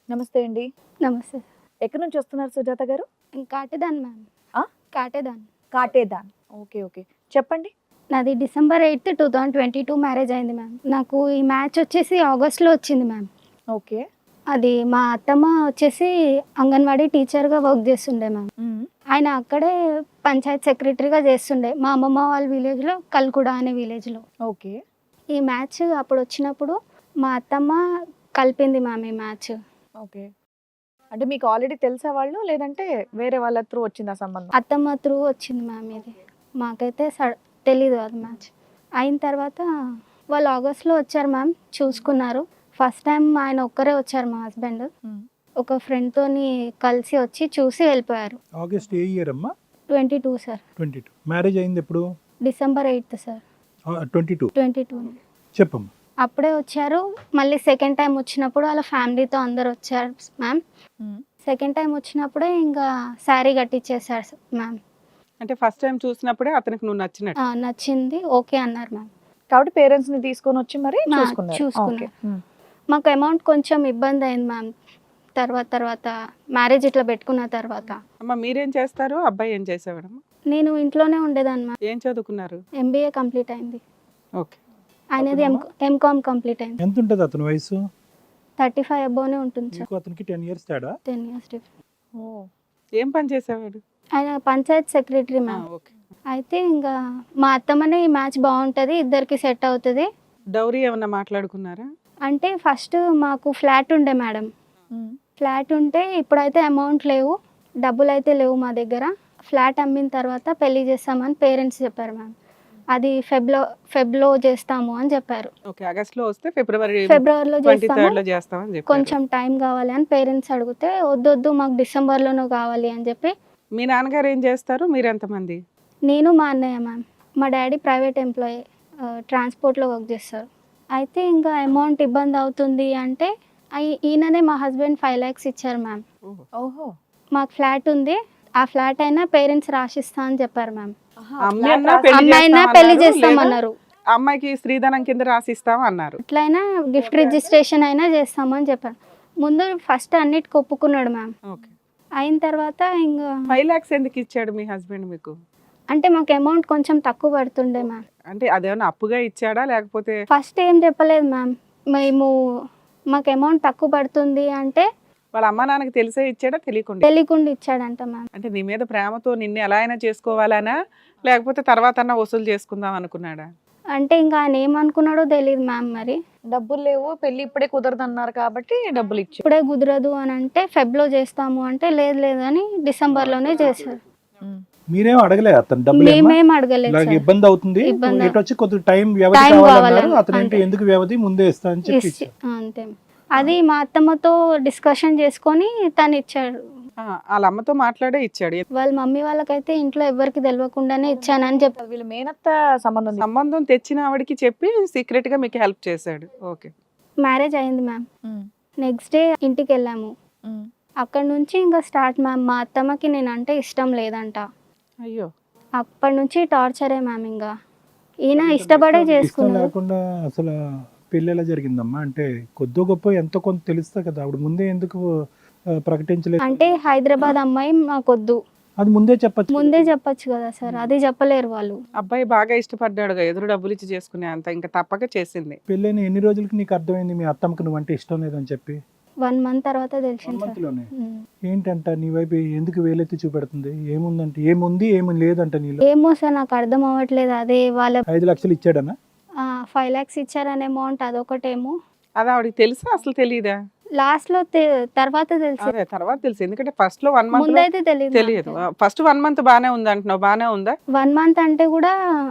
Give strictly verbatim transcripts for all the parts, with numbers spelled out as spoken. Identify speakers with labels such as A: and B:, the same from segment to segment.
A: నమస్తే అండి.
B: నమస్తే.
A: ఎక్కడి నుంచి వస్తున్నారు సుజాత గారు?
B: నేను కాటేదాన్ మ్యామ్.
A: ఆ?
B: కాటేదాన్.
A: కాటేదాన్. ఓకే. ఓకే. చెప్పండి.
B: నాది December eighth two thousand twenty two marriage అయింది మ్యామ్. నాకు ఈ మ్యాచ్ వచ్చేసి ఆగస్ట్లో వచ్చింది మ్యామ్.
A: ఓకే.
B: అది మా అత్తమ్మ వచ్చేసి అంగన్వాడీ టీచర్గా వర్క్ చేస్తుండే మ్యామ్.
A: హ్మ్.
B: ఆయన అక్కడే పంచాయత్ సెక్రటరీగా చేస్తుండే మా అమ్మమ్మ వాళ్ళ విలేజ్లో, కల్కుడ అనే విలేజ్లో.
A: ఓకే.
B: ఈ మ్యాచ్ అప్పుడు వచ్చినప్పుడు మా అత్తమ్మ కలిపింది మ్యామ్ ఈ మ్యాచ్.
A: ఓకే. అంటే మీకు ఆల్రెడీ తెలుసా వాళ్ళు? లేదంటే వేరే వాళ్ళ త్రూ వచ్చిందా సంబంధం?
B: అత్తమ్మ త్రూ వచ్చింది మ్యామ్ ఇది. మాకైతే స తెలీదు అది మ్యాచ్. అయిన తర్వాత వాళ్ళు ఆగస్ట్లో వచ్చారు మ్యామ్, చూసుకున్నారు. ఫస్ట్ టైం ఆయన ఒక్కరే వచ్చారు మా హస్బెండ్.
A: హ్మ్.
B: ఒక ఫ్రెండ్తోని కలిసి వచ్చి చూసి వెళ్ళిపోయారు.
C: ఆగస్ట్ ఏ ఇయర్ అమ్మా?
B: Twenty two sir.
C: Twenty two marriage అయింది ఎప్పుడు?
B: December eighth sir.
C: Twenty two
B: twenty two
C: చెప్పమ్మా.
B: అప్పుడే వచ్చారు. మళ్ళీ సెకండ్ టైం వచ్చినప్పుడు వాళ్ళ ఫ్యామిలీతో అందరు వచ్చారు మ్యామ్.
A: హ్మ్.
B: సెకండ్ టైం వచ్చినప్పుడే ఇంకా శారీ కట్టించేసారు మ్యామ్.
D: అంటే ఫస్ట్ టైం చూసినప్పుడే అతనికి నువ్వు నచ్చినట్టు.
B: ఆ, నచ్చింది, ఓకే అన్నారు మ్యామ్.
A: కాబట్టి పేరెంట్స్ ని తీసుకొని వచ్చి మరి
B: మా-
A: చూసుకున్నారు.
B: చూసుకున్నారు.
A: ఓకే. హ్మ్.
B: మాకు అమౌంట్ కొంచెం ఇబ్బంది అయింది మ్యామ్. తర్వాత తర్వాత మ్యారేజ్ ఇట్లా పెట్టుకున్న తర్వాత
D: అమ్మ మీరేం చేస్తారు, అబ్బాయి ఏం చేసేవాడమ్మా?
B: నేను ఇంట్లోనే ఉండేదాన్ని మ్యామ్.
D: ఏం చదువుకున్నారు?
B: ఎంబీఏ కంప్లీట్ అయింది.
D: ఓకే.
B: ఆయనది ఎం ఎంకామ్ కంప్లీట్ అయింది.
C: ఎంత ఉంటుంది అతని వయసు?
B: థర్టీ ఫైవ్ అబోనే ఉంటుంది సార్.
C: నీకు అతనికి టెన్ ఇయర్స్ తేడా.
B: Ten years different.
A: ఓ.
D: ఏం పని చేసేవాడు?
B: ఆయన పంచాయత్ సెక్రటరీ
D: ఆ,
B: మ్యామ్.
D: ఓకే.
B: అయితే ఇంకా మా అత్తమ్మనే ఈ మ్యాచ్ బాగుంటుంది, ఇద్దరికి సెట్ అవుతుంది
D: డౌరీ ఏమన్నా మాట్లాడుకున్నారా?
B: అంటే ఫస్ట్ మాకు ఫ్లాట్ ఉండే మేడం.
A: హ్మ్.
B: ఫ్లాట్ ఉంటే ఇప్పుడైతే అమౌంట్ లేవు, డబ్బులు అయితే లేవు మా దగ్గర. ఫ్లాట్ అమ్మిన తర్వాత పెళ్లి చేస్తామని పేరెంట్స్ చెప్పారు మ్యామ్. అది ఫెబ్లో ఫెబ్లో చేస్తాము అని చెప్పారు.
D: ఓకే. ఆగస్ట్ లో వస్తే ఫిబ్రవరి
B: ఫిబ్రవరిలో
D: ట్వంటీ థర్డ్
B: చేస్తాము,
D: లో చేస్తామని చెప్పారు.
B: కొంచెం టైం కావాలి అని పేరెంట్స్ అడిగితే వద్దొద్దు మాకు డిసెంబర్లోనూ కావాలి అని చెప్పి.
D: మీ నాన్నగారు ఏం చేస్తారు, మీరు ఎంతమంది?
B: నేను మా అన్నయ్య మ్యామ్. మా డాడీ ప్రైవేట్ ఎంప్లాయీ, ట్రాన్స్పోర్ట్లో వర్క్ చేస్తారు. అయితే ఇంకా అమౌంట్ ఇబ్బంది అవుతుంది అంటే అయి- ఈయననే మా హస్బెండ్ ఫైవ్ ల్యాక్స్ ఇచ్చారు మ్యామ్.
A: ఓహో.
B: మాకు ఫ్లాట్ ఉంది, ఆ ఫ్లాట్ అయినా పేరెంట్స్ రాసిస్తా అని చెప్పారు మ్యామ్.
A: ఆహా,
D: అమ్మాయి
A: flat
D: అన్నా
A: రాసి-
D: పెళ్లి
B: అమ్మాయినా
D: చేస్తామన్నారు,
B: పెళ్లి
D: లేదా
B: చేస్తామన్నారు.
D: అమ్మాయికి స్త్రీధనం కింద రాసిస్తాం అన్నారు.
B: అట్లయినా గిఫ్ట్ రిజిస్ట్రేషన్ అయినా చేస్తామని చెప్పారు. ముందు ఫస్ట్ అన్నిటికి ఒప్పుకున్నాడు మ్యామ్.
D: ఓకే.
B: అయిన తర్వాత ఇంకా
D: ఫైవ్ లాక్స్ ఎందుకు ఇచ్చాడు మీ హస్బెండ్ మీకు?
B: అంటే మాకు అమౌంట్ కొంచెం తక్కువ పడుతుండే మ్యామ్.
D: అంటే అదేమన్నా అప్పుగా ఇచ్చాడా లేకపోతే?
B: ఫస్ట్ ఏం చెప్పలేదు మ్యామ్. మేము మాకు అమౌంట్ తక్కువ పడుతుంది అంటే
D: వాళ్ళ అమ్మ నాన్నకి తెలిసే ఇచ్చాడా తెలియకుండా?
B: తెలియకుండా ఇచ్చాడంట మ్యామ్.
D: అంటే నీ మీద ప్రేమతో నిన్ను ఎలా అయినా చేసుకోవాలనా లేకపోతే తర్వాత అన్నా వసూలు చేసుకుందాం అనుకున్నాడా?
B: అంటే ఇంకా ఆయన ఏమనుకున్నాడో తెలియదు మ్యామ్. మరి
A: డబ్బులు లేవు, పెళ్లి ఇప్పుడే కుదరదు అన్నారు కాబట్టి డబ్బులు ఇచ్చారు.
B: ఇప్పుడే కుదరదు అని అంటే ఫెబ్లో చేస్తాము అంటే లేదు లేదు అని డిసెంబర్లోనే చేశారు.
A: హ్మ్.
C: మీరేం అడగలే అతను డబ్బులు ఏమ్మా?
B: మేమేం అడగలేదు
C: ఇలాగ
B: సార్.
C: ఇబ్బంది అవుతుంది,
B: ఇబ్బంది
C: ఇటు వచ్చి కొద్ది టైం వ్యవధి
B: టైం
C: కావాలన్నారు.
B: కావాలని,
C: అతను ఏంటి
B: అంతే.
C: ఎందుకు వ్యవధి ముందే ఇస్తా అని చెప్పి
B: ఇచ్చి-
C: ఇచ్చారు.
B: ఆ, అంతే. అది మా అత్తమ్మతో డిస్కషన్ చేసుకొని తను ఇచ్చాడు.
D: ఆ, వాళ్ళ అమ్మతో మాట్లాడే ఇచ్చాడు.
B: వాళ్ళ మమ్మీ వాళ్ళకైతే ఇంట్లో ఎవరికి తెలియకుండానే ఇచ్చానని చెప్పి.
A: వీళ్ళు మేనత్త సంబంధం ఉంది.
D: సంబంధం తెచ్చిన ఆవిడకి చెప్పి సీక్రెట్ గా మీకు హెల్ప్ చేశాడు. ఓకే.
B: మ్యారేజ్ అయింది మ్యామ్.
A: హ్మ్.
B: నెక్స్ట్ డే ఇంటికి వెళ్ళాము.
A: హ్మ్.
B: అక్కడ నుంచి ఇంకా స్టార్ట్ మ్యామ్. మా అత్తమ్మకి నేను అంటే ఇష్టం లేదంట.
D: అయ్యో.
B: అప్పటి నుంచి టార్చరే మ్యామ్. ఇంకా ఈయన ఇష్టపడే
C: ఇష్టం
B: చేసుకున్నాడు.
C: లేకుండా అసలు పెళ్ళి ఎలా జరిగిందమ్మా? అంటే కొద్దో గొప్ప ఎంతో కొంత తెలుస్తా కదా, ఆవిడ ముందే ఎందుకు ఆ, ప్రకటించలేదు?
B: అంటే హైదరాబాద్ అమ్మాయి మాకొద్దు,
C: అది ముందే చెప్పచ్చు.
B: ముందే చెప్పొచ్చు కదా సార్. అది చెప్పలేరు వాళ్ళు.
D: అబ్బాయి బాగా ఇష్టపడ్డాడుగా, ఎదురు డబ్బులు ఇచ్చి చేసుకునే అంత ఇంకా తప్పక చేసింది.
C: పెళ్ళైన ఎన్ని రోజులకి నీకు అర్థమైంది మీ అత్తమ్మకి నువ్వంటే ఇష్టం లేదని చెప్పి?
B: వన్ మంత్ తర్వాత
C: వన్
B: తెలిసింది సార్.
C: మంత్ లోనే.
B: ఉమ్.
C: ఏంటంట నీ వైపు ఎందుకు వేలెత్తి చూపెడుతుంది? ఏముందంటే ఏముంది ఏమి లేదంట నీలో?
B: ఏమో సార్, నాకు అర్థం అవ్వట్లేదు. అదే వాళ్ళ
C: ఐదు లక్షలు ఇచ్చాడనా?
B: ఫైవ్ ల్యాక్స్ ఇచ్చారనే అమౌంట్ అదొకటేమో.
D: అది ఆవిడకి తెలుసా అసలు తెలీదా?
B: లాస్ట్ లో తె- తర్వాత తెలిసి,
D: అదే తర్వాత తెలుసు. ఎందుకంటే ఫస్ట్ లో వన్ మంత్
B: ముందైతే తెలియదు.
D: తెలియదు. ఫస్ట్ వన్ మంత్ బానే ఉంది అంటున్నావు, బానే ఉందా?
B: వన్ మంత్ అంటే కూడా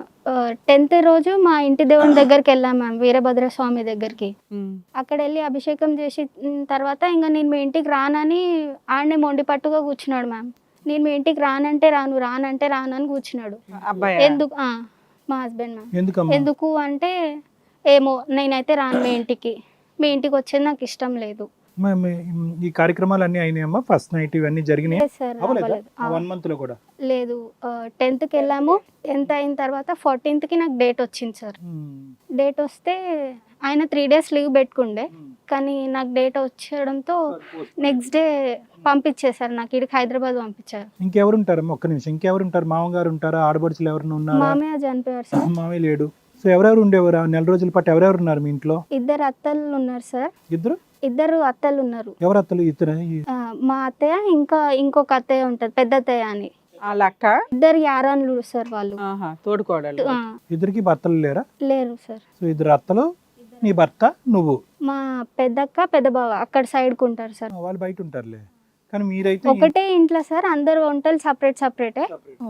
B: టెన్త్ రోజు మా ఇంటి దేవుని దగ్గరికి వెళ్ళాం మ్యామ్, వీరభద్ర స్వామి దగ్గరికి.
D: ఉమ్.
B: అక్కడ వెళ్ళి అభిషేకం చేసి ఉమ్, తర్వాత ఇంకా నేను మీ ఇంటికి రానని ఆడనే మొండి పట్టుగా కూర్చున్నాడు మ్యామ్. నేను మీ ఇంటికి రానంటే రాను, రానంటే రాను అని కూర్చున్నాడు.
D: అబ్బాయి
B: ఎందుకు ఆ, మా హస్బెండ్ మ్యామ్.
C: ఎందుకమ్మా?
B: ఎందుకు అంటే ఏమో నేనైతే రాను మీ ఇంటికి, మీ ఇంటికి వచ్చేది నాకు ఇష్టం లేదు.
C: మ- మ- ఈ కార్యక్రమాలు అన్ని అయినాయమ్మా? ఫస్ట్ నైట్ ఇవన్నీ జరిగినాయి?
B: లేదు సార్, అవ్వలేదు. ఆ,
C: వన్ మంత్ లో కూడా?
B: లేదు. టెన్త్కి వెళ్ళాము. టెన్త్ అయిన తర్వాత ఫోర్టీన్త్కి నాకు డేట్ వచ్చింది సార్.
C: ఉమ్.
B: డేట్ వస్తే ఆయన త్రీ డేస్ లీవ్ పెట్టుకుండే, కానీ నాకు డేట్ వచ్చడంతో నెక్స్ట్ డే పంపించేశారు, నాకు ఇక్కడికి హైదరాబాద్ పంపించారు.
C: ఇంకెవరు ఉంటారమ్మా? ఒక్క నిమిషం, ఇంకెవరు ఉంటారు? మామగారు ఉంటారా? ఆడబడుచులు ఎవరైనా ఉన్నారా?
B: మామయ్య చనిపోయారు సార్.
C: మామయ్య లేడు. సో ఎవరెవరు ఉండేవారు ఆ నెల రోజుల పాటు? ఎవరెవరు ఉన్నారు మీ ఇంట్లో?
B: ఇద్దరు అత్తలు ఉన్నారు సార్.
C: ఇద్దరు
B: ఇద్దరు అత్తలు ఉన్నారు.
C: ఎవరు అత్తలు? ఇద్దరు.
B: ఆ, మా అత్తయ్య ఇంకా ఇంకొక అత్తయ్య ఉంటది, పెద్ద అత్తయ్య అని.
D: వాళ్ళ అక్క
B: ఇద్దరు యారాన్లు సార్ వాళ్ళు.
D: ఆహా, తోడుకోడలు.
B: ఆ,
C: ఇద్దరికి భర్తలు లేరా?
B: లేరు సార్.
C: సో ఇద్దరు అత్తలు, నీ భర్త, నువ్వు.
B: మా పెద్దక్క పెద్ద బావ అక్కడ సైడ్ కు ఉంటారు సార్.
C: వాళ్ళు బయట ఉంటారులే, కానీ మీరైతే
B: ఒకటే ఇంట్లో సార్, అందరు వంటలు సపరేట్ సపరేటే.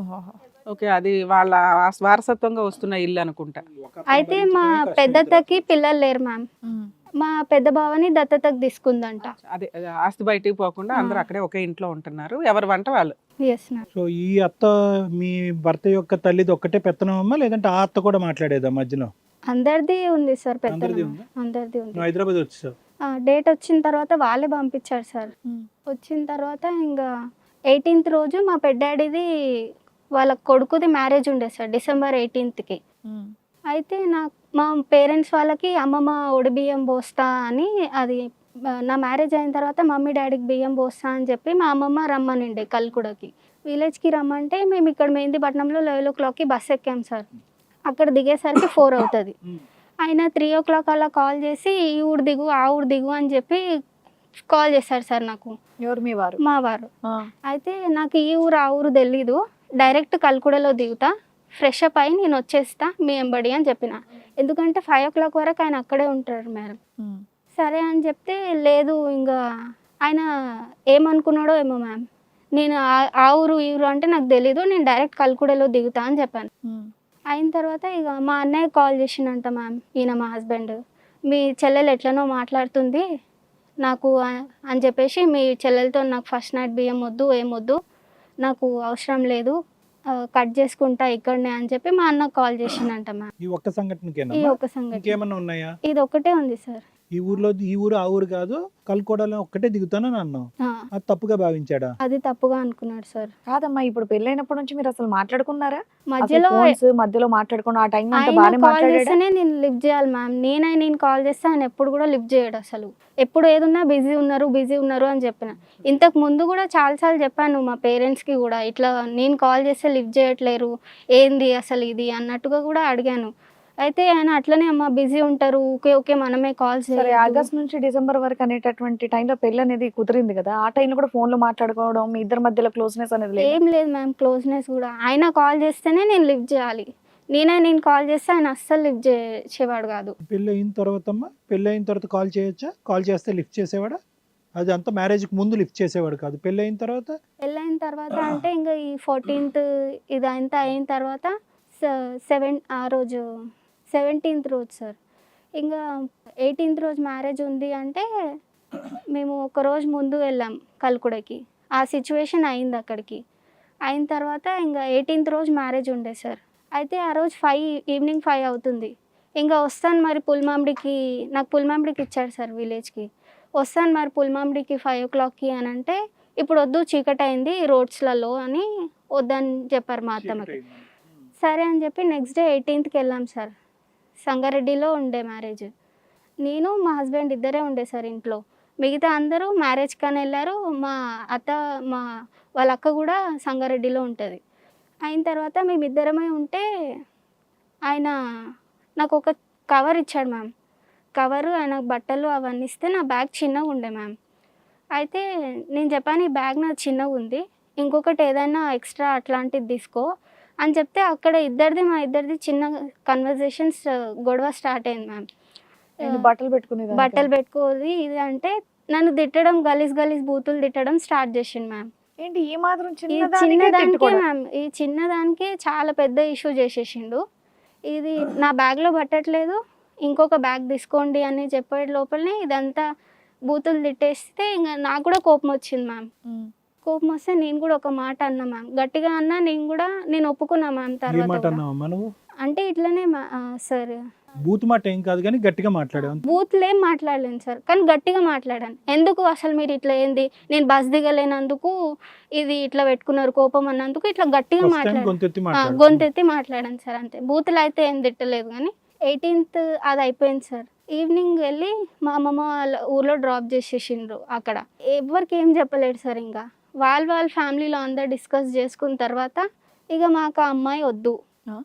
D: ఓకే, అది వాళ్ళ వారసత్వంగా వస్తున్న ఇల్లు అనుకుంటా.
B: అయితే మా పెద్దత్తకి పిల్లలు లేరు మ్యామ్. మా పెద్ద బావని దత్తతకు తీసుకుందంట.
D: అదే అదే, ఆస్తి బయటికి పోకుండా అందరూ అక్కడే ఒకే ఇంట్లో ఉంటున్నారు, ఎవరి వంట వాళ్ళు.
B: Yes ma'am.
C: సో ఈ అత్త మీ భర్త యొక్క తల్లిది ఒక్కటే పెత్తనమమ్మా, లేదంటే ఆ అత్త కూడా మాట్లాడేదా మధ్యలో?
B: అందరిది ఉంది సార్, పెద్ద
C: అందరిది ఉందా?
B: అందరిది ఉంది.
C: నువ్వు హైదరాబాద్ వచ్చేసావు.
B: డేట్ వచ్చిన తర్వాత వాళ్ళే పంపించారు సార్. వచ్చిన తర్వాత ఇంకా ఎయిటీన్త్ రోజు మా పెద్దాడిది వాళ్ళ కొడుకుది మ్యారేజ్ ఉండే సార్, డిసెంబర్ ఎయిటీన్త్కి. అయితే నాకు మా పేరెంట్స్ వాళ్ళకి అమ్మమ్మ ఒడి బియ్యం పోస్తా అని, అది నా మ్యారేజ్ అయిన తర్వాత మమ్మీ డాడీకి బియ్యం పోస్తా అని చెప్పి మా అమ్మమ్మ రమ్మనిండే కల్కుడకి. విలేజ్కి రమ్మంటే మేము ఇక్కడ మెహందీపట్నంలో లెవెన్ ఓ క్లాక్కి బస్ ఎక్కాం సార్. అక్కడ దిగేసరికి ఫోర్ అవుతుంది. ఆయన త్రీ ఓ క్లాక్ అలా కాల్ చేసి ఈ ఊరు దిగు ఆ ఊరు దిగు అని చెప్పి కాల్ చేశారు సార్ నాకు.
A: ఎవరు మీ వారు?
B: మా వారు. అయితే నాకు ఈ ఊరు ఆ ఊరు తెలీదు, డైరెక్ట్ కల్కుడలో దిగుతా, ఫ్రెష్ అప్ అయి నేను వచ్చేస్తా మీ ఎంబడి అని చెప్పిన. ఎందుకంటే ఫైవ్ ఓ క్లాక్ వరకు ఆయన అక్కడే ఉంటారు మేడం. సరే అని చెప్తే లేదు, ఇంకా ఆయన ఏమనుకున్నాడో ఏమో మ్యామ్, నేను ఆ ఊరు ఈ ఊరు అంటే నాకు తెలీదు, నేను డైరెక్ట్ కల్కుడలో దిగుతా అని చెప్పాను. అయిన తర్వాత ఇక మా అన్నయ్య కాల్ చేసిండంట మ్యామ్, ఈయన మా హస్బెండ్, మీ చెల్లెలు ఎట్లనో మాట్లాడుతుంది నాకు అని చెప్పేసి, మీ చెల్లెలతో నాకు ఫస్ట్ నైట్ బియ్యం వద్దు ఏం వద్దు, నాకు అవసరం లేదు, కట్ చేసుకుంటా ఇక్కడనే అని చెప్పి మా అన్న కాల్ చేసిండంట మ్యామ్.
C: ఈ ఒక్క సంఘటనకేనా?
B: ఈ ఒక్క సంఘటన.
C: ఇంకేమన్నా ఉన్నాయా?
B: ఇది ఒకటే ఉంది సార్.
C: ఈ ఊర్లో ఈ ఊరు ఆ ఊరు కాదు, కల్కోడలో ఒక్కటే దిగుతానని అన్నావు.
B: ఆ,
C: అది తప్పుగా భావించాడా?
B: అది తప్పుగా అనుకున్నాడు సార్.
A: కాదమ్మా, ఇప్పుడు పెళ్ళైనప్పటి నుంచి మీరు అసలు మాట్లాడుకున్నారా?
B: మధ్యలో
A: Phones మధ్యలో మాట్లాడుకున్నా ఆ టైం అంతా
B: ఆయన
A: బాగానే
B: కాల్
A: మాట్లాడాడా?
B: చేస్తేనే నేను లిఫ్ట్ చేయాలి మ్యామ్. నేనే నేను కాల్ చేస్తే ఆయన ఎప్పుడు కూడా లిఫ్ట్ చేయడు అసలు. ఎప్పుడు ఏదున్నా బిజీ ఉన్నారు బిజీ ఉన్నారు అని చెప్పిన. ఇంతకు ముందు కూడా చాలాసార్లు చెప్పాను మా పేరెంట్స్కి కూడా, ఇట్లా నేను కాల్ చేస్తే లిఫ్ట్ చేయట్లేరు ఏంది అసలు ఇది అన్నట్టుగా కూడా అడిగాను. అయితే ఆయన అట్లనే అమ్మ బిజీ ఉంటారు, ఓకే ఓకే మనమే కాల్
A: సరే,
B: చేయాలి.
A: ఆగస్ట్ నుంచి డిసెంబర్ వరకు అనేటటువంటి టైంలో పెళ్లి అనేది కుదిరింది కదా, ఆ టైంలో కూడా ఫోన్ లో మాట్లాడుకోవడం, మీ ఇద్దరి మధ్యలో క్లోజ్నెస్ అనేది లేదు?
B: ఏం లేదు మ్యామ్ క్లోజ్నెస్ కూడా. ఆయన కాల్ చేస్తేనే నేను లిఫ్ట్ చేయాలి, నేనే నేను కాల్ చేస్తే ఆయన అస్సలు లిఫ్ట్ చేసేవాడు కాదు.
C: పెళ్ళి అయిన తర్వాత అమ్మా, పెళ్ళి అయిన తర్వాత కాల్ చేయొచ్చా? కాల్ చేస్తే లిఫ్ట్ చేసేవాడా? అది అంతా మ్యారేజ్కి ముందు లిఫ్ట్ చేసేవాడు కాదు, పెళ్ళి అయిన తర్వాత?
B: పెళ్ళైన తర్వాత అంటే ఇంకా ఈ ఫోర్టీన్త్ ఇదంతా అయిన తర్వాత సెవెన్ ఆ రోజు సెవెంటీన్త్ రోజు సార్, ఇంకా ఎయిటీన్త్ రోజు మ్యారేజ్ ఉంది అంటే మేము ఒక రోజు ముందు వెళ్ళాం కల్కుడకి. ఆ సిచ్యువేషన్ అయింది అక్కడికి. అయిన తర్వాత ఇంకా ఎయిటీన్త్ రోజు మ్యారేజ్ ఉండే సార్. అయితే ఆ రోజు ఫైవ్ ఈవినింగ్ ఫైవ్ అవుతుంది. ఇంకా వస్తాను మరి పుల్మామిడికి, నాకు పుల్మామిడికి ఇచ్చారు సార్ విలేజ్కి. వస్తాను మరి పుల్మామిడికి ఫైవ్ ఓ క్లాక్కి అని అంటే, ఇప్పుడు వద్దు చీకటి అయింది రోడ్స్లలో అని వద్దని చెప్పారు మా అత్తమ్మకి. సరే అని చెప్పి నెక్స్ట్ డే ఎయిటీన్త్కి వెళ్ళాం సార్. సంగారెడ్డిలో ఉండే మ్యారేజ్. నేను మా హస్బెండ్ ఇద్దరే ఉండే సార్ ఇంట్లో, మిగతా అందరూ మ్యారేజ్ కానీ వెళ్ళారు. మా అత్త మా వాళ్ళ అక్క కూడా సంగారెడ్డిలో ఉంటుంది. అయిన తర్వాత మేమిద్దరమే ఉంటే ఆయన నాకు ఒక కవర్ ఇచ్చాడు మ్యామ్. కవరు ఆయన బట్టలు అవన్నీ ఇస్తే నా బ్యాగ్ చిన్నగా ఉండే మ్యామ్. అయితే నేను చెప్పాను ఈ బ్యాగ్ నాది చిన్నగా ఉంది, ఇంకొకటి ఏదైనా ఎక్స్ట్రా అట్లాంటిది తీసుకో అని చెప్తే అక్కడ ఇద్దరిది మా ఇద్దరిది చిన్న కన్వర్జేషన్స్ గొడవ స్టార్ట్ అయింది మ్యామ్.
A: నేను బట్టలు పెట్టుకునేది
B: బట్టలు పెట్టుకోది ఇది అంటే నన్ను తిట్టడం, గలీజ్ గలీజ్ బూతులు తిట్టడం స్టార్ట్ చేసిండు మ్యామ్.
A: ఏంటి ఈ మాత్రం
B: ఈ
A: చిన్నదానికే
B: చిన్నదానికే
A: తిట్టుకోవడం?
B: మ్యామ్, ఈ చిన్నదానికే చాలా పెద్ద ఇష్యూ చేసేసిండు. ఇది నా బ్యాగ్లో పట్టట్లేదు, ఇంకొక బ్యాగ్ తీసుకోండి అని చెప్పే లోపలనే ఇదంతా బూతులు తిట్టేస్తే ఇంకా నాకు కూడా కోపం వచ్చింది మ్యామ్. కోపం వస్తే నేను కూడా ఒక మాట అన్నా మ్యామ్, గట్టిగా అన్నా. నేను కూడా నేను ఒప్పుకున్నా మ్యామ్. తర్వాత అంటే ఇట్లనే సార్
C: బూత్ మాట ఏం కాదు కానీ గట్టిగా మాట్లాడాను.
B: బూత్లు ఏం మాట్లాడలేను సార్, కానీ గట్టిగా మాట్లాడాను. ఎందుకు అసలు మీరు ఇట్లా ఏంది, నేను బస్ దిగలేనందుకు ఇది ఇట్లా పెట్టుకున్నారు కోపం అన్నందుకు ఇట్లా గట్టిగా మాట్లాడాను, గొంతెత్తి మాట్లాడాను సార్. అంతే, బూతులు అయితే ఏం తిట్టలేదు కానీ ఎయిటీన్త్ అది అయిపోయింది సార్. ఈవినింగ్ వెళ్ళి మా అమ్మమ్మ వాళ్ళ ఊర్లో డ్రాప్ చేసేసిండ్రు అక్కడ. ఎవరికి ఏం చెప్పలేడు సార్. ఇంకా వాళ్ళ వాళ్ళ ఫ్యామిలీలో అందరు డిస్కస్ చేసుకున్న తర్వాత ఇక మాకు ఆ అమ్మాయి వద్దు,
A: ఆ?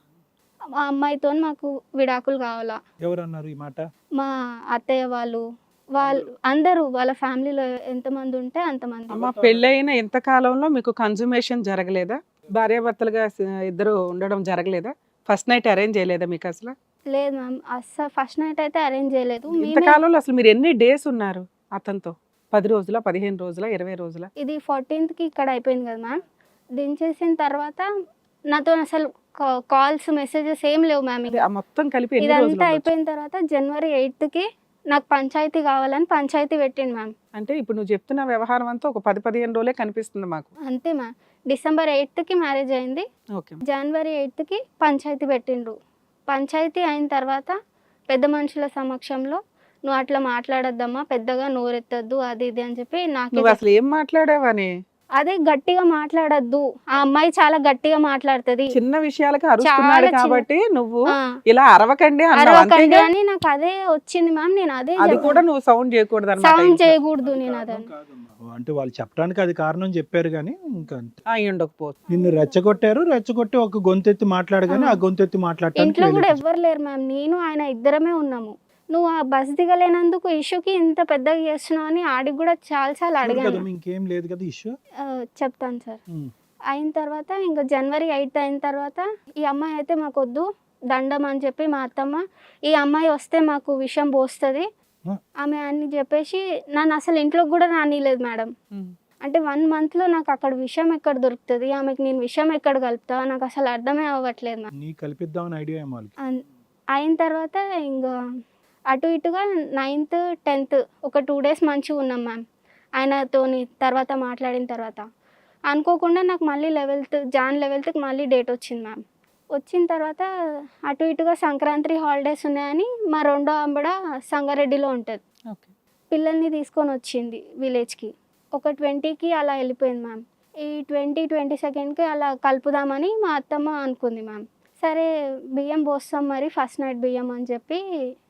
B: ఆ అమ్మాయితో మాకు విడాకులు కావాలా.
C: ఎవరు అన్నారు ఈ మాట?
B: మా అత్తయ్య వాళ్ళు వాళ్ళు అందరూ వాళ్ళ ఫ్యామిలీలో ఎంతమంది ఉంటే అంతమంది.
D: అమ్మ పెళ్ళైన ఎంత కాలంలో మీకు కన్సుమేషన్ జరగలేదా? భార్యాభర్తలుగా స- ఇద్దరు ఉండడం జరగలేదా? ఫస్ట్ నైట్ అరేంజ్ చేయలేదా మీకు అసలు?
B: లేదు మ్యామ్, అస్సలు ఫస్ట్ నైట్ అయితే అరేంజ్ చేయలేదు.
D: ఇంత
B: మేమే
D: కాలంలో అసలు మీరు ఎన్ని డేస్ ఉన్నారు అతనితో? పది రోజుల, పదిహేను రోజుల, ఇరవై రోజుల?
B: ఇది ఫోర్టీన్త్కి ఇక్కడ అయిపోయింది కదా మ్యామ్. దించేసిన తర్వాత నాతో అసలు కాల్స్ మెసేజెస్ ఏం లేవు మ్యామ్.
D: అదే, ఆ మొత్తం కలిపి ఎన్ని
B: ఇదంతా
D: రోజులు ఉండొచ్చు?
B: అయిపోయిన తర్వాత జనవరి ఎయిత్కి నాకు పంచాయతీ కావాలని పంచాయతీ పెట్టింది మ్యామ్.
D: అంటే ఇప్పుడు నువ్వు చెప్తున్న వ్యవహారం అంతా ఒక పది పదిహేను రోజులే కనిపిస్తుంది మాకు.
B: అంతే మ్యామ్. డిసెంబర్ ఎయిత్కి మ్యారేజ్ అయింది.
D: ఓకే.
B: జనవరి ఎయిత్కి పంచాయతీ పెట్టిండ్రు. పంచాయతీ అయిన తర్వాత పెద్ద మనుషుల సమక్షంలో నువ్వు అట్లా మాట్లాడొద్దమ్మా, పెద్దగా నోరెత్తద్దు, అది ఇది అని చెప్పి నాకు
D: నువ్వు అసలు ఏం మాట్లాడావని?
B: అదే గట్టిగా మాట్లాడొద్దు, ఆ అమ్మాయి చాలా గట్టిగా మాట్లాడుతుంది,
D: చిన్న విషయాలకి అరుస్తున్నాడు
B: చాలా చిన్న-
D: కాబట్టి నువ్వు
B: ఆ,
D: ఇలా అరవకండి అన్నావు,
B: అరవకండి
D: అంతేగా?
B: అని నాకు అదే వచ్చింది మ్యామ్. నేను అదే
D: అది కూడా నువ్వు సౌండ్ చేయకూడదు
B: సౌండ్
D: అన్నమాట.
B: చేయకూడదు నేను అదని.
C: అంటే వాళ్ళు చెప్పడానికి అది కారణం చెప్పారు కానీ ఇంకా అంతే.
D: అయి ఉండకపోవచ్చు.
C: నిన్ను రెచ్చగొట్టారు, రెచ్చగొట్టి ఒక గొంతెత్తి మాట్లాడగానే ఆ గొంతెత్తి మాట్లాడటానికి
B: ఇంట్లో కూడా
C: వెళ్ళిపోయారు.
B: ఎవ్వరు లేరు మ్యామ్, నేను ఆయన ఇద్దరమే ఉన్నాము. నువ్వు ఆ బస్ దిగలేనందుకు ఇష్యూకి ఇంత పెద్దగా చేస్తున్నావు అని ఆడికి కూడా చాలా సార్లు
C: చూడు
B: అడిగాను.
C: కదా, ఇంకేం లేదు కదా ఇష్యూ.
B: ఆ, చెప్తాను సార్. అయిన తర్వాత ఇంకా జనవరి ఎయిత్ అయిన తర్వాత ఈ అమ్మాయి అయితే మాకు వద్దు, దండం అని చెప్పి మా అత్తమ్మ, ఈ అమ్మాయి వస్తే మాకు విషం పోస్తుంది ఆమె అని చెప్పేసి నన్ను అసలు ఇంట్లోకి కూడా రానిలేదు మేడం.
D: ఉమ్.
B: అంటే వన్ మంత్లో నాకు అక్కడ విషయం ఎక్కడ దొరుకుతుంది, ఆమెకి నేను విషయం ఎక్కడ కలుపుతా, నాకు అసలు అర్థమే అవ్వట్లేదు మ్యామ్.
C: నీ కల్పిద్దామని ఐడియా ఏమో వాళ్ళకి.
B: అన్- అయిన తర్వాత ఇంకా అటు ఇటుగా నైన్త్ టెన్త్ ఒక టూ డేస్ మంచిగా ఉన్నాం మ్యామ్ ఆయనతోని. తర్వాత మాట్లాడిన తర్వాత అనుకోకుండా నాకు మళ్ళీ లెవెల్త్ జాన్ లెవెల్త్కి మళ్ళీ డేట్ వచ్చింది మ్యామ్. వచ్చిన తర్వాత అటు ఇటుగా సంక్రాంతి హాలిడేస్ ఉన్నాయని మా రెండో ఆంబడ సంగారెడ్డిలో ఉంటుంది,
D: ఓకే.
B: పిల్లల్ని తీసుకొని వచ్చింది విలేజ్కి. ఒక ట్వంటీకి అలా వెళ్ళిపోయింది మ్యామ్. ఈ ట్వంటీ ట్వంటీ సెకండ్కి అలా కలుపుదామని మా అత్తమ్మ అనుకుంది మ్యామ్. సరే బియ్యం పోస్తాం మరి ఫస్ట్ నైట్ బియ్యం అని చెప్పి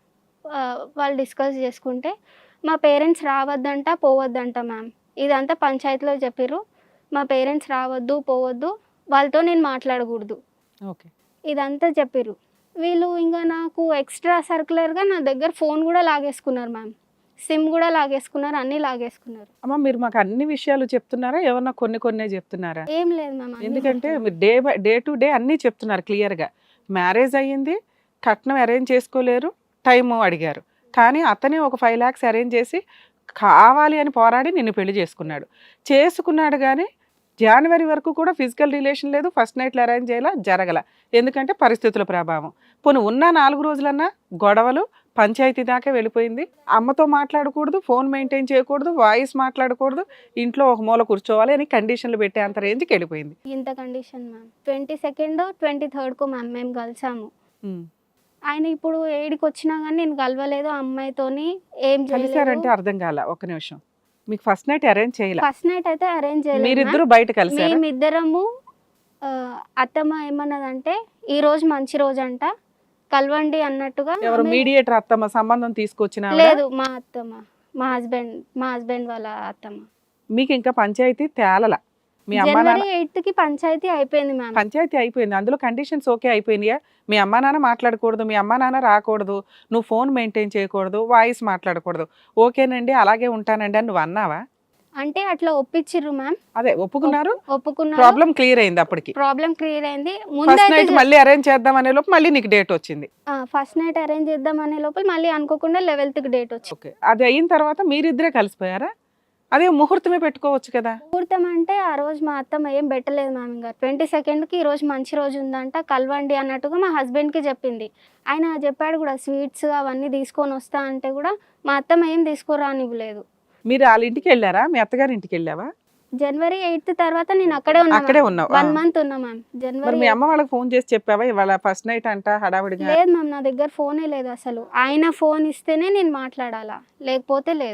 B: ఆ, వాళ్ళు డిస్కస్ చేసుకుంటే మా పేరెంట్స్ రావద్దంట పోవద్దంట మ్యామ్. ఇదంతా పంచాయతీలో చెప్పిర్రు, మా పేరెంట్స్ రావద్దు పోవద్దు, వాళ్ళతో నేను మాట్లాడకూడదు,
D: ఓకే.
B: ఇదంతా చెప్పిర్రు. వీళ్ళు ఇంకా నాకు ఎక్స్ట్రా సర్క్యులర్గా నా దగ్గర ఫోన్ కూడా లాగేసుకున్నారు మ్యామ్, సిమ్ కూడా లాగేసుకున్నారు, అన్నీ లాగేసుకున్నారు.
D: అమ్మ మీరు మాకు అన్ని విషయాలు చెప్తున్నారా, ఏమన్నా కొన్ని కొన్నే చెప్తున్నారా?
B: ఏం లేదు మ్యామ్, అన్నీ
D: ఎందుకంటే
B: చెప్తున్నారు.
D: మీరు day by day to day అన్నీ చెప్తున్నారు క్లియర్గా. మ్యారేజ్ అయ్యింది, కట్నం అరేంజ్ చేసుకోలేరు, టైము అడిగారు, కానీ అతనే ఒక ఫైవ్ ల్యాక్స్ అరేంజ్ చేసి కావాలి అని పోరాడి నిన్ను పెళ్లి చేసుకున్నాడు. చేసుకున్నాడు కానీ జనవరి వరకు కూడా ఫిజికల్ రిలేషన్ లేదు, ఫస్ట్ నైట్లు అరేంజ్ చేయాల జరగల, ఎందుకంటే పరిస్థితుల ప్రభావం. పోనీ ఉన్న నాలుగు రోజులన్నా గొడవలు పంచాయతీ దాకా వెళ్ళిపోయింది. అమ్మతో మాట్లాడకూడదు, ఫోన్ మెయింటైన్ చేయకూడదు, వాయిస్ మాట్లాడకూడదు, ఇంట్లో ఒక మూల కూర్చోవాలి అని కండిషన్లు పెట్టే అంత రేంజ్కి వెళ్ళిపోయింది.
B: ఇంత condition ma'am. Twenty second twenty థర్డ్కు మ్యామ్ మేము కలిసాము.
D: ఉమ్.
B: ఆయన ఇప్పుడు ఏడికి వచ్చినా కానీ నేను కలవలేదు, ఆ అమ్మాయితోని ఏం
D: కలిసారంటే అర్థం కాల, ఒక్క నిమిషం. మీకు ఫస్ట్ నైట్ అరేంజ్ చేయాల?
B: ఫస్ట్ నైట్ అయితే అరేంజ్ చేయలేదు
D: మీరిద్దరు
B: మ్యామ్.
D: బయట కలిసారా?
B: మేమిద్దరము ఆ, అత్తమ్మ ఏమన్నదంటే ఈ రోజు మంచి రోజు అంట కలవండి అన్నట్టుగా.
D: ఎవరు
B: ఆమె-
D: మీడియేటర్ అత్తమ్మ సంబంధం తీసుకొచ్చిన ఆవిడ?
B: లేదు, మా అత్తమ్మ, మా హస్బెండ్ మా హస్బెండ్ వాళ్ళ అత్తమ్మ.
D: మీకు ఇంకా పంచాయతీ తేలల? మీ అమ్మా నాన్న
B: జనవరి ఎయిత్ కి పంచాయతీ అయిపోయింది మ్యామ్.
D: పంచాయతీ అయిపోయింది, అందులో కండిషన్స్ ఓకే అయిపోయినాయా? మీ అమ్మా నాన్న మాట్లాడకూడదు, మీ అమ్మా నాన్న రాకూడదు, నువ్వు ఫోన్ మెయింటైన్ చేయకూడదు, వాయిస్ మాట్లాడకూడదు, ఓకేనండి అలాగే ఉంటానండి అని నువ్వు అన్నావా?
B: అంటే అట్లా ఒప్పించిర్రు మ్యామ్,
D: అదే ఒప్పుకున్నారు,
B: ఒప్పుకున్నారు,
D: ప్రాబ్లం క్లియర్ అయింది. అప్పటికి
B: ప్రాబ్లం క్లియర్ అయింది.
D: ఫస్ట్ నైట్
B: ముందు
D: మళ్ళీ అరేంజ్ చేద్దాం అనే లోపు మళ్ళీ నీకు డేట్ వచ్చింది.
B: ఫస్ట్ నైట్ అరేంజ్ చేద్దాం అనే లోపల మళ్ళీ అనుకోకుండా లెవెల్త్ కి డేట్ వచ్చింది.
D: ఓకే, అది అయిన తర్వాత మీరిద్దరే కలిసిపోయారా? అదే ముహూర్తమే పెట్టుకోవచ్చు కదా.
B: ముహూర్తం అంటే ఆ రోజు మా అత్తమ్మ ఏం పెట్టలేదు మ్యామ్. ఇంకా ట్వంటీ సెకండ్కి ఈ రోజు మంచి రోజు ఉందంట కలవండి అన్నట్టుగా మా హస్బెండ్కి చెప్పింది. ఆయన చెప్పాడు కూడా స్వీట్స్ అవన్నీ తీసుకొని వస్తా అంటే కూడా మా అత్తమ్మ ఏం తీసుకురానివ్వలేదు.
D: మీరు వాళ్ళ ఇంటికి వెళ్ళారా, మీ అత్తగారి ఇంటికి వెళ్ళావా?
B: జనవరి ఎయిత్ తర్వాత నేను అక్కడే ఉన్నా,
D: అక్కడే ఉన్నావు.
B: వన్
D: ఆ.
B: మంత్ ఉన్నా మ్యామ్.
D: మరి
B: జనవరి
D: మీ అమ్మ వాళ్ళకి ఫోన్ చేసి చెప్పావా ఇవాళ ఫస్ట్ నైట్ అంట హడావిడిగా?
B: లేదు మ్యామ్, నా దగ్గర ఫోనే లేదు అసలు. ఆయన ఫోన్ ఇస్తేనే నేను మాట్లాడాలా, లేకపోతే లేదు.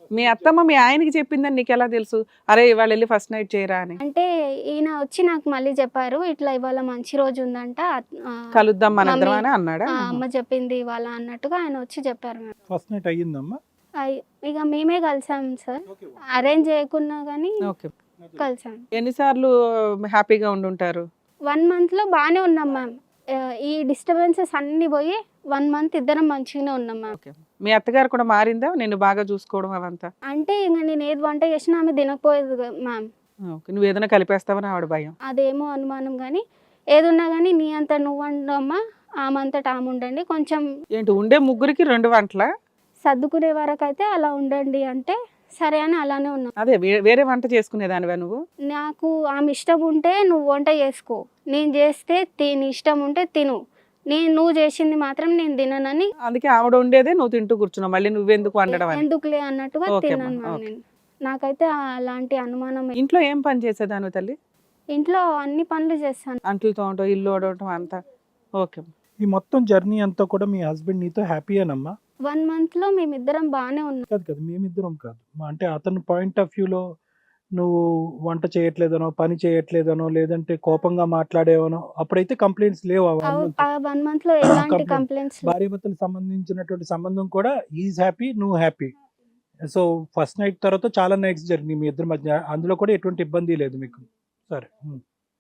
D: మీ అత్తమ్మ మీ ఆయనకి చెప్పిందని నీకు ఎలా తెలుసు? అరే ఇవాళ వెళ్ళి ఫస్ట్ నైట్ చేయరా అని.
B: అంటే ఈయన వచ్చి నాకు మళ్ళీ చెప్పారు, ఇట్లా ఇవాళ మంచి రోజు ఉందంట, ఆ,
D: కలుద్దాం మన ఇద్దరం
B: మమ్మీ,
D: అని అన్నాడా?
B: ఆ, అమ్మ చెప్పింది ఇవాళ అన్నట్టుగా ఆయన వచ్చి చెప్పారు మ్యామ్.
C: First night అయ్యిందమ్మా?
B: అయ్- ఇక మేమే కలిసాం సార్, అరేంజ్ చేయకున్నా కానీ
D: ఓకే.
B: కలిసాం.
D: ఎన్నిసార్లు హ్యాపీగా ఉండుంటారు?
B: వన్ మంత్లో బాగానే ఉన్నాం మ్యామ్. ఆ, ఈ డిస్టర్బెన్సెస్ అన్నీ పోయి వన్ మంత్ ఇద్దరం మంచిగానే ఉన్నాం మ్యామ్.
D: ఓకే. మీ అత్తగారు కూడా మారిందా నిన్ను బాగా చూసుకోవడం అవంతా?
B: అంటే ఇంకా నేను ఏది వంట చేసినా ఆమె తినకపోయేది కదా మ్యామ్.
D: ఓకే. నువ్వు ఏదైనా కలిపేస్తావని ఆవిడ భయం.
B: అదేమో అనుమానం, కానీ ఏదున్నా కానీ నీ అంత నువ్వు వండమ్మా, ఆమె అంతటా ఆమె ఉండండి, కొంచెం
D: ఏంటి ఉండే ముగ్గురికి రెండు వంటలా?
B: సర్దుకునే వరకు అయితే అలా ఉండండి అంటే సరే అని అలానే ఉన్నాం.
D: అదే వే- వేరే వంట చేసుకునేదానివా నువ్వు?
B: నాకు ఆమె ఇష్టం ఉంటే నువ్వు వంట చేసుకో, నేను చేస్తే తిని, ఇష్టం ఉంటే తిను, నేను నువ్వు చేసింది మాత్రం నేను తిననని,
D: అందుకే ఆవిడ ఉండేదే నువ్వు తింటూ కూర్చున్నావు, మళ్ళీ నువ్వెందుకు వండడం అని.
B: ఎందుకులే అన్నట్టుగా
D: ఓకే
B: తిన్నాను
D: అమ్మా,
B: మ్యామ్
D: ఓకే.
B: నేను. నాకైతే అలాంటి అనుమానం.
D: ఇంట్లో ఏం పని చేసేదాను తల్లి?
B: ఇంట్లో అన్ని పనులు చేస్తాను.
D: అంట్లు తోమటం, ఇల్లు ఓడవటం అంతా. ఓకే.
C: ఈ మొత్తం జర్నీ అంతా కూడా మీ హస్బెండ్ నీతో హ్యాపీయేనమ్మా?
B: వన్ మంత్లో మేమిద్దరం బాగానే ఉన్నాం.
C: కాదు కదా, మేమిద్దరం కాదు, మా అంటే అతని పాయింట్ ఆఫ్ వ్యూలో నువ్వు వంట చేయట్లేదనో, పని చేయట్లేదనో, లేదంటే కోపంగా మాట్లాడేవనో, అప్పుడైతే కంప్లైంట్స్ లేవు. ఆ one month.
B: ఆ వన్ మంత్లో ఎలాంటి
C: Complaint.
B: కంప్లైంట్స్
C: భార్యాభర్తలకు సంబంధించినటువంటి సంబంధం కూడా ఈజ్ హ్యాపీ, నువ్వు హ్యాపీ. సో ఫస్ట్ నైట్ తర్వాత చాలా నైట్స్ జరిగినాయి మీ ఇద్దరి మధ్య, అందులో కూడా ఎటువంటి ఇబ్బంది లేదు మీకు. సరే. ఉమ్.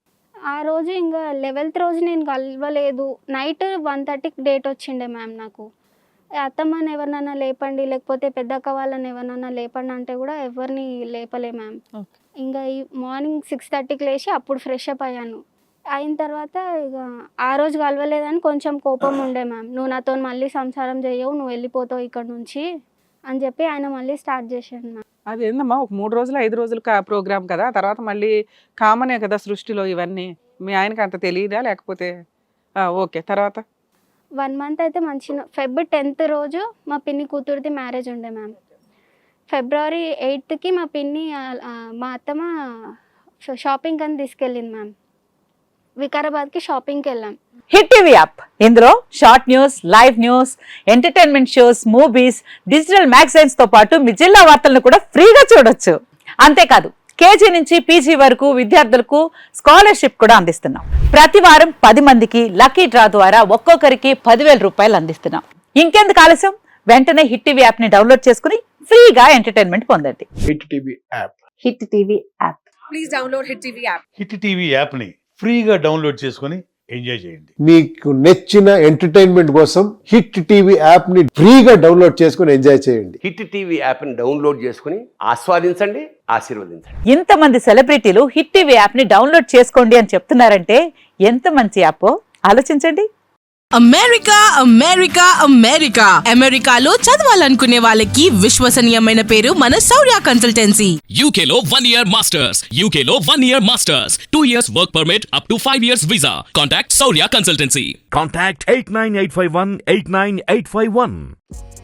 B: ఆ రోజు ఇంకా లెవెల్త్ రోజు నేను కలవలేదు. నైట్ వన్ థర్టీకి డేట్ వచ్చిండే మ్యామ్ నాకు. అత్తమ్మని ఎవరినైనా లేపండి, లేకపోతే పెద్దక్క వాళ్ళని ఎవరినైనా లేపండి అంటే కూడా ఎవరిని లేపలే మ్యామ్.
D: ఓకే.
B: ఇంకా ఈ మార్నింగ్ సిక్స్ థర్టీకి లేచి అప్పుడు ఫ్రెష్ అప్ అయ్యాను. అయిన తర్వాత ఇక ఆ రోజు కలవలేదని కొంచెం కోపం ఉండే మ్యామ్. నువ్వు నాతో మళ్ళీ సంసారం చేయవు, నువ్వు వెళ్ళిపోతావు ఇక్కడ నుంచి అని చెప్పి ఆయన మళ్ళీ స్టార్ట్ చేశాడు మ్యామ్.
D: అది ఏందమ్మా, ఒక మూడు రోజులు ఐదు రోజులు ప్రోగ్రామ్ కదా, ఆ తర్వాత మళ్ళీ కామనే కదా సృష్టిలో ఇవన్నీ. మీ ఆయనకి అంత తెలియదా లేకపోతే? ఆ, ఓకే. తర్వాత
B: వన్ మంత్ అయితే మంచి ఫెబ్ టెన్త్ రోజు మా పిన్ని కూతురిది మ్యారేజ్ ఉండే మ్యామ్. ఫిబ్రవరి ఎయిత్కి మా పిన్ని ఆ, ఆ, మా అత్తమ్మ షాపింగ్ అని తీసుకెళ్ళింది మ్యామ్. వికారాబాద్కి షాపింగ్కి వెళ్ళాం.
E: హిట్ టీవీ యాప్, ఇందులో short news, live news, entertainment shows, movies, digital magazines తో పాటు మీ జిల్లా వార్తలను కూడా ఫ్రీగా చూడొచ్చు. అంతేకాదు కేజీ నుంచి పీజీ వరకు విద్యార్థులకు స్కాలర్షిప్ కూడా అందిస్తున్నాం. ప్రతి వారం పది మందికి లక్కీ డ్రా ద్వారా ఒక్కొక్కరికి పదివేల రూపాయలు అందిస్తున్నాం. ఇంకెందుకు ఆలస్యం, వెంటనే హిట్ టీవీ యాప్ ని డౌన్లోడ్ చేసుకుని ఫ్రీగా ఎంటర్టైన్మెంట్ పొందండి.
F: Hit TV app.
E: Hit TV app.
F: Hit TV యాప్ని ఫ్రీగా డౌన్లోడ్ చేసుకొని ఎంజాయ్ చేయండి.
G: మీకు నచ్చిన ఎంటర్టైన్మెంట్ కోసం హిట్ టీవీ యాప్ ని ఫ్రీగా డౌన్లోడ్ చేసుకుని ఎంజాయ్ చేయండి.
H: హిట్ టీవీ యాప్ని డౌన్లోడ్ చేసుకుని ఆస్వాదించండి, ఆశీర్వదించండి.
E: ఇంతమంది సెలబ్రిటీలు హిట్ టీవీ యాప్ ని డౌన్లోడ్ చేసుకోండి అని చెప్తున్నారంటే ఎంత మంచి యాప్ ఆలోచించండి.
I: అమెరికా అమెరికా అమెరికా అమెరికాలో చదవాలనుకునే వాళ్ళకి విశ్వసనీయమైన పేరు మన శౌర్య కన్సల్టెన్సీ.
J: U K లో one year masters, U K లో one year masters, two years work permit up to five years visa. Contact Saurya Consultancy.
K: Contact eight nine eight five one eight nine eight five one.